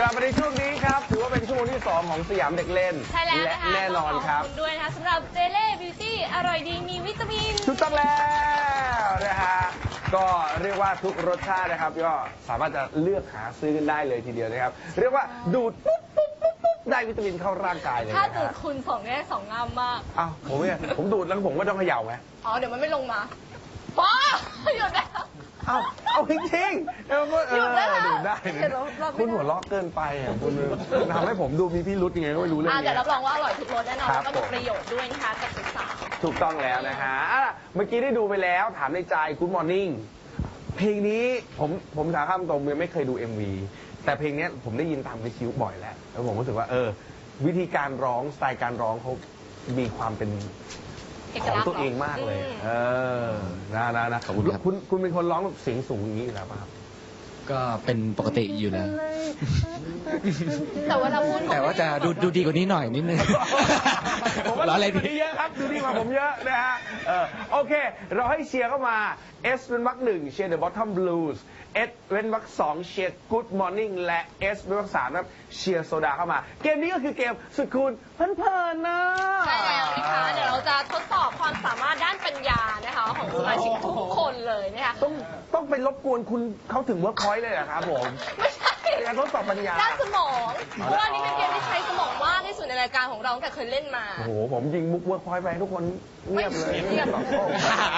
ลับมาในช่วงนี้ครับถือว่าเป็นช่วงที่2ของสยามเด็กเล่นใช่แล้วนะคะแน่นอนครับขอบคุณด้วยนะคะสำหรับเจเล่บิวตี้อร่อยดีมีวิตามินถูกต้องแล้วนะฮะก็เรียกว่าทุกรสชาตินะครับก็สามารถจะเลือกหาซื้อกันได้เลยทีเดียวนะครับเรียกว่าดูดปุ๊บปุ๊บปุ๊บปุ๊บได้วิตามินเข้าร่างกายเลยถ้านะดูดฮะคุณสองแง่สองงามมากอ้าวผมดูดแล้วผมก็ต้องเขย่าไหมอ๋อเดี๋ยวมันไม่ลงมาป้าหยุดแล้วเอาจริงๆดูดได้คุณหัวเราะเกินไปอ่ะคุณทำให้ผมดูมีพิรุธยังไงก็ไม่รู้เรื่องแต่นี้รับรองว่าอร่อยทุกรสแน่นอนครัแล้บวก็มีประโยชน์ด้วยนะคะกับสาวถูกต้องแล้วนะฮะเมื่อกี้ได้ดูไปแล้วถามในใจ Good Morning เพลงนี้ผมสาข้ามตรงยังไม่เคยดู MV แต่เพลงนี้ผมได้ยินตามวิทยุบ่อยแล้วผมรู้สึกว่าวิธีการร้องสไตล์การร้องเขามีความเป็นๆเอกของลักษณ์ตัวเองมากเลย นะขอบคุณครับคุณเป็นคนร้องแบบเสียงสูงอย่างนี้อยู่แล้วป่ะครับก็เป็นปกติอยู่แล้วแต่ว่าเราพูดแต่ว่าจะดูดีกว่านี้หน่อยนิดนึงผมว่าล้อเล่นดูดีเยอะครับดูดีกว่าผมเยอะนะฮะโอเค เราให้เชียร์เข้ามา S เป็นวรรคหนึ่งเชียร์ The Bottom Blues S เป็นวรรคสองเชียร์ Good Morning และ S เป็นวรรคสามครับเชียร์โซดาเข้ามา เกมนี้ก็คือเกมสุดคูณเพลินๆนะใช่แล้วนะคะเดี๋ยวเราจะทดสอบความสามารถด้านปัญญานะคะของสมาชิกทุกคนเลยนะคะต้องไปรบกวนคุณเขาถึงเวิร์กพอยต์เลยเหรอครับผมไม่ใช่เป็นการทดสอบปัญญาด้านสมองเพราะว่านี่เป็นเกมที่ใช้สมองมากที่สุดในรายการของเราตั้งแต่เคยเล่นมาโอ้โหผมยิงมุกเวิร์กพอยต์ไปทุกคนเงียบเลยเงียบตอบโต้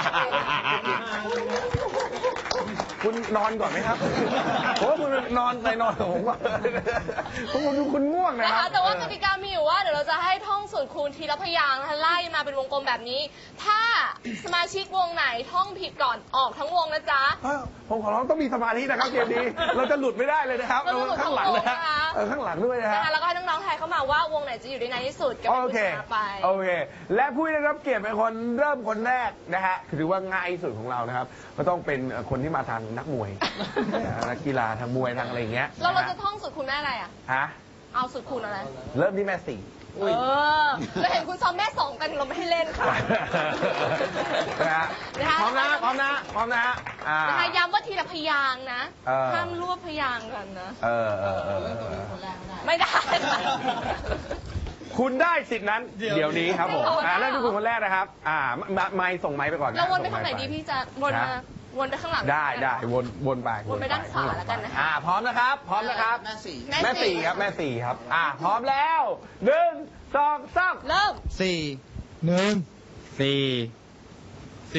คุณนอนก่อนไหมครับผมว่าคุณนอนไปนอนกับผมก่อนผมดูคุณง่วงนะนะครัคะบแต่ว่ากติกามีอยู่ว่าเดี๋ยวเราจะให้ท่องสูตรคูณทีละพยางค์นะคะไล่มาเป็นวงกลมแบบนี้ ถ้าสมาชิกวงไหนท่องผิดก่อนออกทั้งวงนะจ๊ะผมขอร้องต้องมีสมาธินะครับเกมนี้ เราจะหลุดไม่ได้เลยนะครับเราจะหลุดข้างหลังนะทั้งวงนะคะข้างหลังด้วยนะนะฮะคะแล้วก็ให้น้องๆทายเข้ามาว่าวงไหนจะอยู่ได้นานที่สุดกับโอผู้เคชนะไปโอเค และผู้ที่ได้รับเกียรติเป็นคนเริ่มคนแรกนะฮะถือว่าง่ายที่สุดของเรานะครับก็ต้องเป็นคนที่มาทางนักมวย นักกีฬาทางมวยทางอะไรอย่างเงี้ยแล้วเรานจะท่องสูตรคูณแม่อะไรอ่ะฮะเอาสูตรคูณอะไรเริ่มที่แม่สี่เราเห็นคุณซ้อมแม่สองกันเราไม่ให้เล่นค่ะนะฮะนะคะพร้อมนะพร้อมนะพร้อมนะนะคะย้ำว่าทีละพยางค์นะเออห้ามรวบพยางค์กันนะเออไม่ได้ค่ะคุณได้สิทธินั้นเดี๋ยวนี้ครับผมไม่เอาเริ่มที่คุณคนแรกนะครับไมค์ส่งไมค์ไปก่อนนะเราวนไปส่ทางไหนค์ค์ดีพี่จะวนมาวนไปข้างหลังได้วนไปวนไปด้านขวาแล้วกันนะคะพร้อมนะครับ พร้อมนะครับแม่แม่สี่สี่ครับแม่สี่ครับพร้อมแล้ว1 2 3 เริ่ม 4 1 4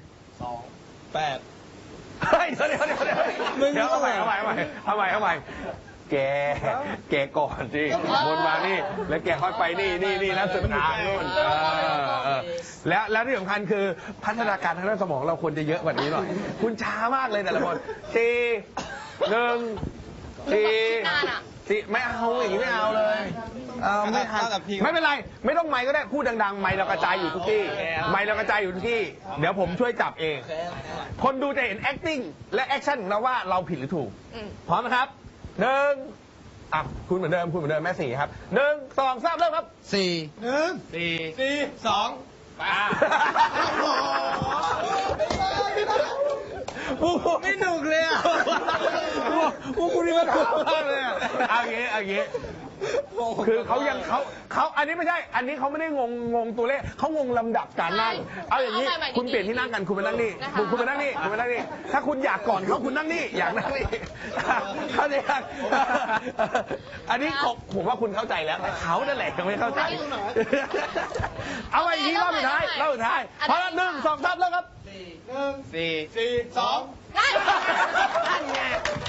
เฮ้ยเดี๋ยวเอาใหม่แกก่อนสิวนมานี่แล้วแกค่อยไปนี่แล้วสุดทางนู่นแล้วที่สำคัญคือพัฒนาการทางด้านสมองเราควรจะเยอะกว่านี้หน่อย คุณช้ามากเลยแต่ละคน4 ไม่เอาอย่างนี้ไม่เอาเลยไม่ทันไม่เป็นไร ไม่ต้องไมค์ก็ได้พูดดังๆไมค์เรากระจายอยู่ทุกที่ไมค์เรากระจายอยู่ทุกที่เดี๋ยวผมช่วยจับเองคนดูจะเห็น acting และ action ของเราว่าเราผิดหรือถูกพร้อมนะครับคุณเหมือนเดิมแม่สี่ครับ1 2 3เริ่มครับไม่หนุกเลยอ่ะพวกคุณนี่มันถูกมากเลยอ่ะเอาอย่างงี้คือเขาอันนี้ไม่ใช่ อันนี้เขาไม่ได้งงตัวเลขเขางงลำดับการนั่ง เอาอย่างนี้คุณเปลี่ยนที่นั่งกันคุณไปนั่งนี่คุณไปนั่งนี่ถ้าคุณอยากก่อนเขาคุณนั่งนี่อยากนั่งนี่เข้าใจยังอันนี้ผมว่าคุณเข้าใจแล้วแต่เขานั่นแหละยังไม่เข้าใจเอาไปอีกทีรอบสุดท้ายพอแล้ว1 2 3แล้วครับนั่นไง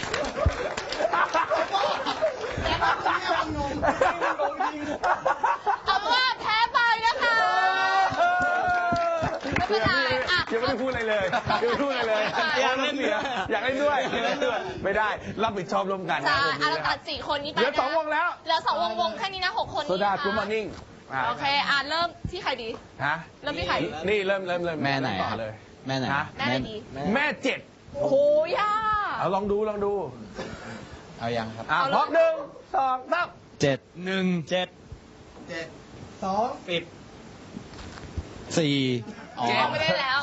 เอาว่าแพ้ไปนะคะไม่เป็นไรยังไม่ได้พูดอะไรเลยอยากเล่นด้วยไม่ได้รับผิดชอบร่วมกันใช่เราตัด4 คนนี้ไปเหลือ2 วงแล้วเหลือ2 วงแค่นี้นะ6 คนนี้โซดากูมานิ่งโอเคเริ่มที่ใครดีฮะเริ่มที่ใครนี่เริ่มแม่ไหนต่อเลยแม่ไหนฮะแม่ไหนดีแม่7 โอ้โหยากเอาลองดูเอายังครับพร้อม1 2 3 7 1 7 4 ไม่ได้แล้ว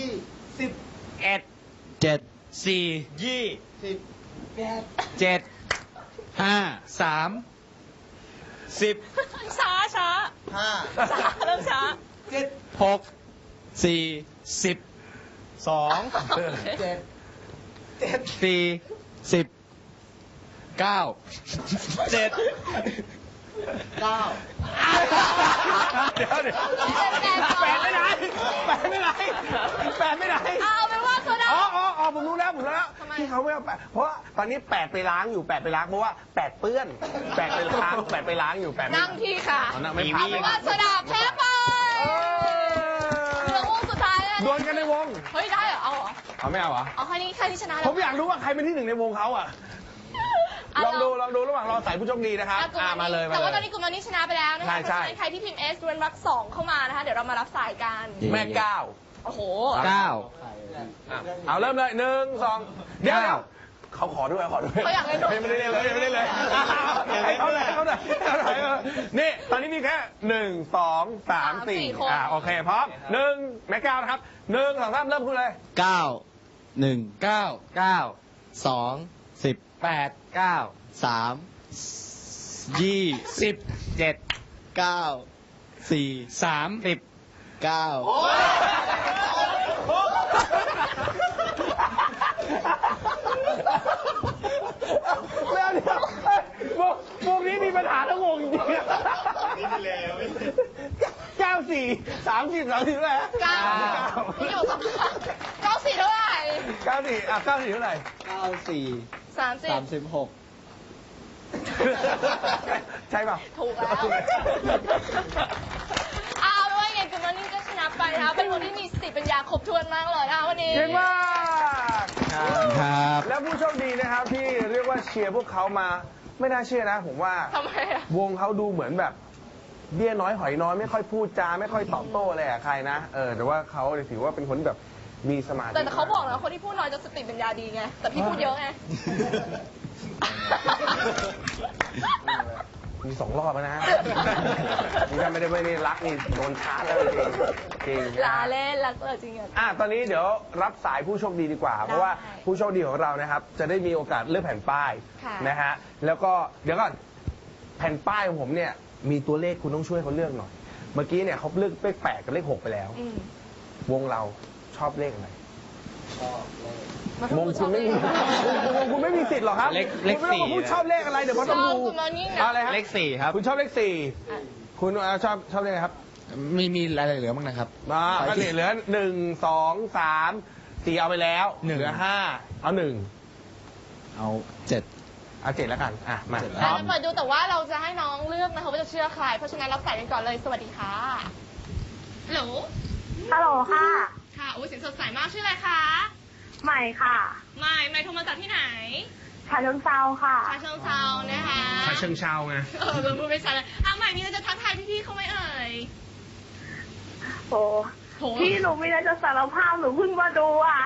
7 4 7 5 3 10 ช้าช้า 5 ช้าเริ่มช้า 7 6 4 10 2 7 4 10 9 7 9 เดี๋ยวแปดไม่ไหนแปดไม่ไหนแปดไม่ไหนเอาเป็นว่าโซดาอ๋อผมรู้แล้วทำไมที่เขาไม่เอาแปดเพราะว่าตอนนี้แปดไปล้างอยู่แปดไปล้างเพราะว่าแปดเปื้อนแปดไปล้างแปดไปล้างอยู่แปดไม่นั่งที่ค่ะอ๋อนั่งไม่เอาพักเป็นว่าโซดาแพ้ไปเหลือวงสุดท้ายแล้วดวลกันในวงเฮ้ยได้เหรอเอาเหรอเอาไม่เอาเหรอเอาแค่นี้แค่ที่ชนะแล้วผมอยากรู้ว่าใครเป็นที่หนึ่งในวงเขาอ่ะลองดูระหว่างรอสายผู้โชคดีนะครับมาเลยแต่ว่าตอนนี้กลุ่มนี้ชนะไปแล้วนะคะใช่ใครที่พิมพ์ S ดวลรัก2เข้ามานะคะเดี๋ยวเรามารับสายกันแม่เก้าโอ้โห 9 เอาเริ่มเลย1 2เดี๋ยวเขาขอด้วยเขาอยากเล่นด้วยไม่ได้เล่นเลยให้เขาเลยนี่ตอนนี้มีแค่1 2 3 4โอเคพร้อม1แม่เก้านะครับ1 2 3เริ่มคุณเลย 9 1 9 9 2 10 8 9 3 20 7 9 4 3 10 9 แล้วเนี่ยวงนี้มีปัญหาทั้งวงจริงๆ94 30เลยเก้าอยู่สอง94เท่าไหร่ 94เท่าไหร่ 94 30 36 ใช่ป่ะถูกแล้วเอาเป็นว่าไงกลุ่มนี้ก็ชนะไปนะคะเป็นคนที่มีสติปัญญาครบถ้วนมากเลยนะคะวันนี้เก่งมากครับแล้วผู้โชคดีนะครับที่เรียกว่าเชียร์พวกเขามาไม่น่าเชื่อนะผมว่าทำไมอะวงเขาดูเหมือนแบบเบี้ยน้อยหอยน้อยไม่ค่อยพูดจาไม่ค่อยตอบโต้อะไรกับใครนะแต่ว่าเขาเนี่ยถือว่าเป็นคนแบบมีสมาธิแต่เขาบอกนะคนที่พูดน้อยจะสติปัญญาดีไงแต่พี่พูดเยอะไงมี2 รอบแล้วนะนี่ถ้าไม่ได้รักนี่โดนชาร์จแล้วจริงลาเล่นรักจริงอ่ะตอนนี้เดี๋ยวรับสายผู้โชคดีดีกว่า เพราะว่าผู้โชคดีของเรานะครับ จะได้มีโอกาสเลือกแผ่นป้ายค่ะนะฮะแล้วก็เดี๋ยวก่อนแผ่นป้ายของผมเนี่ยมีตัวเลขคุณต้องช่วยเขาเลือกหน่อย เมื่อกี้เนี่ยเขาเลือกเลข8กับเลข6ไปแล้วอืมวงเราชอบเลขอะไรมันวงคุณไม่มีวงคุณไม่มีสิทธิ์หรอกครับเลขคุณไม่ต้องมาพูด 4 ชอบเลขอะไรเดี๋ยวเขาต้องดูคุณมายิ่งนะเอาอะไรฮะเลข 4 ครับคุณชอบเลข4คุณชอบเลขอะไรครับมีอะไรเหลือบ้างนะครับก็เหลือ1 2 3 4เอาไปแล้วหนึ่งเหลือ5เอา1 เอา 7 เอา7แล้วกันมาเจ็ดเราจะเปิดดูแต่ว่าเราจะให้น้องเลือกนะคะว่าจะเชื่อใคร เพราะฉะนั้นรับสายกันก่อนเลย สวัสดีค่ะฮัลโหลฮัลโหลค่ะค่ะโอ้ยเสียงสดใสมากชื่ออะไรคะใหม่ค่ะไม่โทรมาจากที่ไหนชาเชิงเซาค่ะชาเชิงเซานะคะชาเชิงเชาไงเราพูดไม่ชัดเลยใหม่มีอะไรจะทักทายพี่ๆเขาไหมเอ่ยโอ้โหพี่หนูมีอะไรจะสารภาพหนูเพิ่งมาดูอ่ะ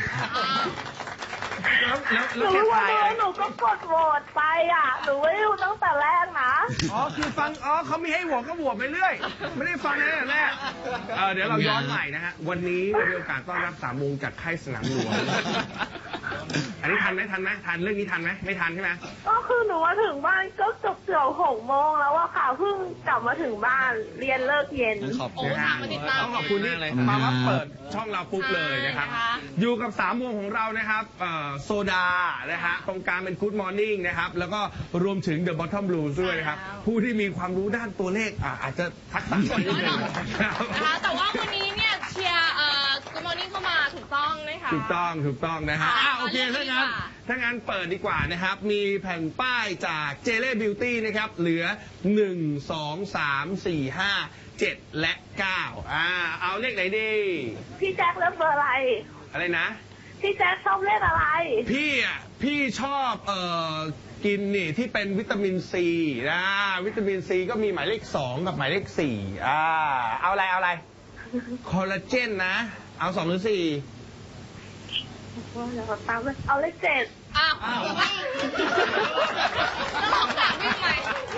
หนูเพิ่งมาดูหนูก็กดโหวตไปอ่ะ หนูไม่ได้ดูตั้งแต่แรกนะคือฟังเขามีให้โหวตก็โหวตไปเรื่อย ไม่ได้ฟังตั้งแต่แรกเดี๋ยวเราย้อนใหม่นะฮะวันนี้มีโอกาสต้อนรับ3 วงจากค่ายสนามหลวงอันนี้ทันไหมทันเรื่องนี้ทันไหมไม่ทันใช่ไหมก็คือหนูมาถึงบ้านก็เกือบ6 โมงแล้วอะค่ะ เพิ่งกลับมาถึงบ้านเรียนเลิกเย็นขอบโอ้คุณทางมาติดตามต้องขอบคุณที่มาว่าเปิดช่องเราปุ๊บเลยนะครับใช่นะคะอยู่กับ3 วงของเรานะครับโซดานะฮะตรงกลางเป็น Good Morning นะครับแล้วก็รวมถึง The Bottom Blues ด้วยนะครับผู้ที่มีความรู้ด้านตัวเลขอาจจะทักษะน้อยนิดนึงนะครับนะคะแต่ว่าวันนี้เนี่ยเชียร์กูมอร์นิ่งเข้ามาถูกต้องนะคะถูกต้องนะฮะโอเคถ้างั้นเปิดดีกว่านะครับ มีแผ่นป้ายจากเจเล่บิวตี้นะครับ เหลือ 1 2 3 4 5 7 และ 9เอาเลขไหนดีพี่แจ็คเลือกเบอร์อะไรอะไรนะพี่แจ็คชอบเลขอะไรพี่ชอบกินนี่ที่เป็นวิตามินซีนะวิตามินซีก็มีหมายเลข2กับหมายเลข4เอาอะไรคอลลาเจนนะ เอา2หรือ4 เดี๋ยวตามเลยเอาเลข7 อ้าวต้องลองถามพี่ใหม่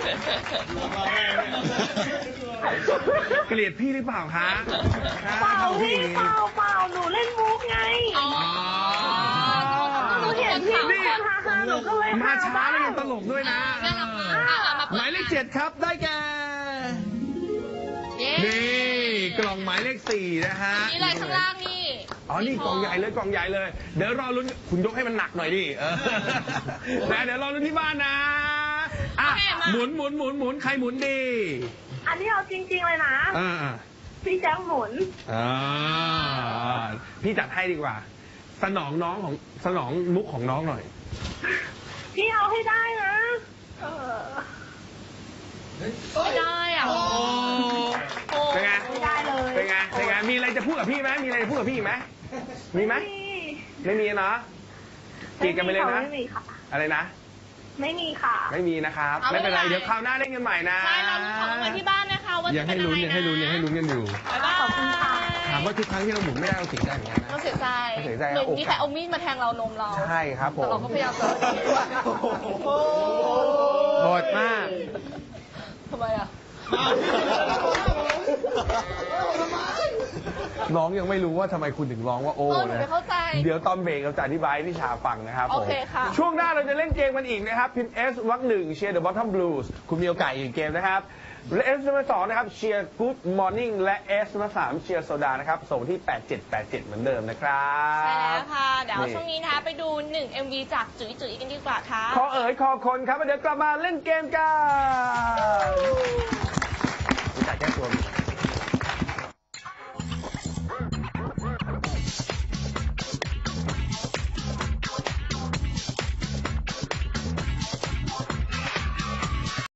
เกลียดพี่หรือเปล่าคะเปล่าพี่เปล่าหนูเล่นมุกไงอ๋อหนูเห็นพี่คนฮ่าหนูก็เลยมาช้าแล้วยังตลกด้วยนะน่ารักมากมาหมายเลข 7 ครับได้แก่เย้นี่กล่องหมายเลข 4 นะฮะนี่เลยข้างล่างนี่อ๋อ นี่กล่องใหญ่เลยกล่องใหญ่เลย เดี๋ยวรอลุ้นคุณยกให้มันหนักหน่อยดินะเดี๋ยวรอลุ้นที่บ้านนะอ่ะหมุนใครหมุนดีอันนี้เอาจริง ๆ เลยนะ พี่แจ๊คหมุนพี่จัดให้ดีกว่า สนองมุกของน้องหน่อยพี่เอาให้ได้นะไม่ได้อ่ะโอ้เป็นไงไม่ได้เลยเป็นไงมีอะไรจะพูดกับพี่ไหมมีอะไรจะพูดกับพี่อีกไหมมีไหมไม่มีเนาะจีบกันไปเลยนะไม่มีค่ะอะไรนะไม่มีค่ะไม่มีนะครับไม่เป็นไรเดี๋ยวคราวหน้าเล่นกันใหม่นะใช่เราลุ้นของรางวัลที่บ้านนะคะว่ายัจะงเป็ให้นอะไรลุ้นนะยังให้ลุ้นกันอยู่บ๊ายบายขอบคุณค่ะถามว่าทุกครั้งที่เราหมุนไม่ได้เราเสียใจเหมือนกันนะเราเสียใจเสียใจเหมือนโอกาสมีใครเอามีดมาแทงเรานมเราใช่ครับผมแต่เราก็พยายามจะโหดมากทำไมอ่ะน้องยังไม่รู้ว่าทำไมคุณถึงร้องว่าโอ้หนูนะไม่เข้าใจเดี๋ยวตอนเบรกเราจะอธิบายให้พี่ชาฟังนะครับผมโอเคค่ะช่วงหน้าเราจะเล่นเกมกันอีกนะครับพิมพ์ S วรรค 1เชียร์ The Bottom Blues คุณมีโอกาสอีกเกมนะครับและ S มา2นะครับเชียร์ Good Morning และ S มา3เชียร์โซดานะครับส่งที่8787เหมือนเดิมนะครับใช่แล้วค่ะ เดี๋ยวช่วงนี้นะคะไปดู1 MV จากจุ๋ยจุ๋ยกันดีกว่าค่ะคอเอ๋ยคอคนครับแล้วเดี๋ยวกลับมาเล่นเกมกันรู้จักแก้ตัวไหม